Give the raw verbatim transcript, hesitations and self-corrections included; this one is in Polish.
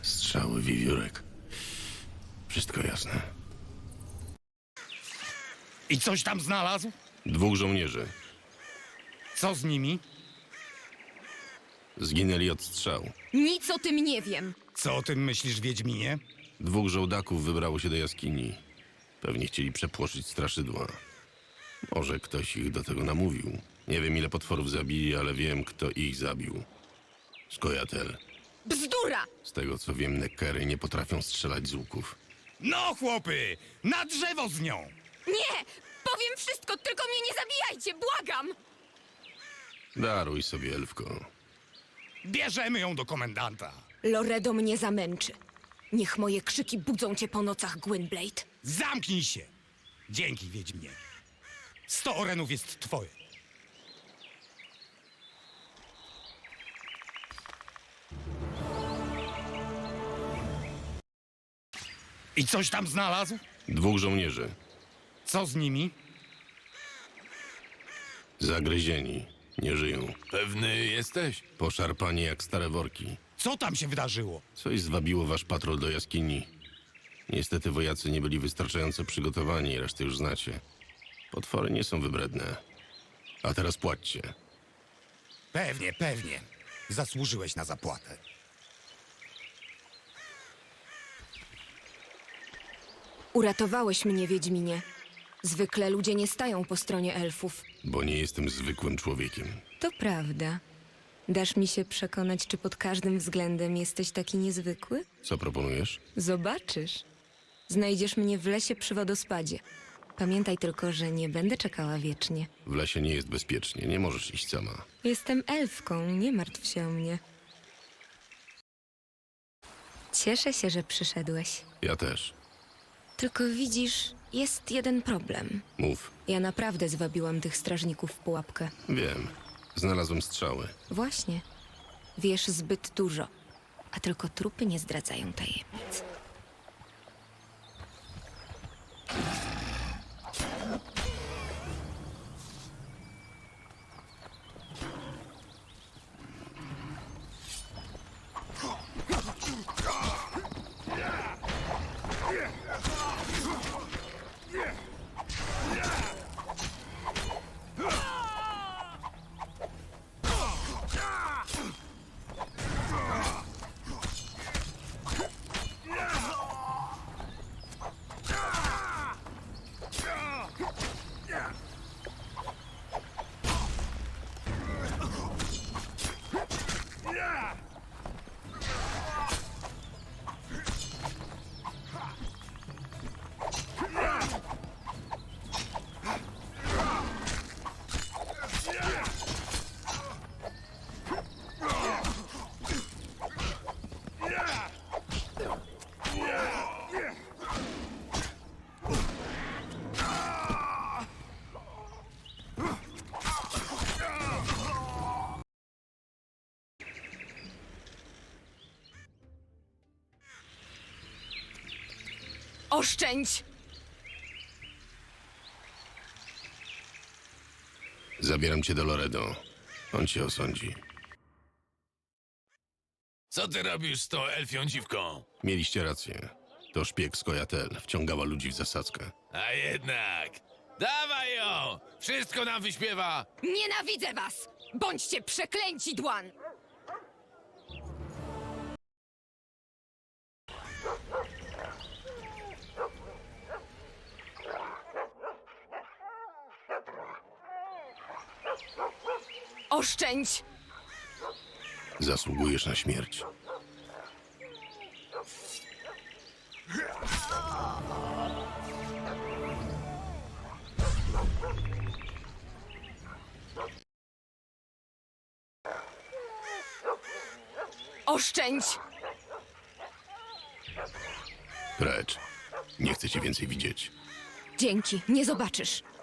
Strzały, wiewiórek. Wszystko jasne. I coś tam znalazł? Dwóch żołnierzy. Co z nimi? Zginęli od strzał. Nic o tym nie wiem. Co o tym myślisz, Wiedźminie? Dwóch żołdaków wybrało się do jaskini. Pewnie chcieli przepłoszyć straszydła. Może ktoś ich do tego namówił. Nie wiem, ile potworów zabili, ale wiem, kto ich zabił. Skojatel. Bzdura! Z tego, co wiem, Neckery nie potrafią strzelać z łuków. No, chłopy! Na drzewo z nią! Nie! Powiem wszystko, tylko mnie nie zabijajcie, błagam! Daruj sobie, elfko. Bierzemy ją do komendanta. Loredo mnie zamęczy. Niech moje krzyki budzą cię po nocach, Gwynblade. Zamknij się! Dzięki, Wiedźminie. Sto orenów jest twoje. I coś tam znalazł? Dwóch żołnierzy. Co z nimi? Zagryzieni. Nie żyją. Pewny jesteś? Poszarpani jak stare worki. Co tam się wydarzyło? Coś zwabiło wasz patrol do jaskini. Niestety wojacy nie byli wystarczająco przygotowani, resztę już znacie. Potwory nie są wybredne. A teraz płaćcie. Pewnie, pewnie. Zasłużyłeś na zapłatę. Uratowałeś mnie, Wiedźminie. Zwykle ludzie nie stają po stronie elfów. Bo nie jestem zwykłym człowiekiem. To prawda. Dasz mi się przekonać, czy pod każdym względem jesteś taki niezwykły? Co proponujesz? Zobaczysz. Znajdziesz mnie w lesie przy wodospadzie. Pamiętaj tylko, że nie będę czekała wiecznie. W lesie nie jest bezpiecznie, nie możesz iść sama. Jestem elfką, nie martw się o mnie. Cieszę się, że przyszedłeś. Ja też. Tylko widzisz, jest jeden problem. Mów. Ja naprawdę zwabiłam tych strażników w pułapkę. Wiem. Znalazłem strzały. Właśnie. Wiesz zbyt dużo, a tylko trupy nie zdradzają tajemnic. Oszczędź! Zabieram cię do Loredo. On cię osądzi. Co ty robisz z tą elfią dziwką? Mieliście rację. To szpieg Skojatel. Wciągała ludzi w zasadzkę. A jednak! Dawaj ją! Wszystko nam wyśpiewa! Nienawidzę was! Bądźcie przeklęci, Dłan! Oszczędź! Zasługujesz na śmierć. Oszczędź! Precz. Nie chcę cię więcej widzieć. Dzięki, nie zobaczysz.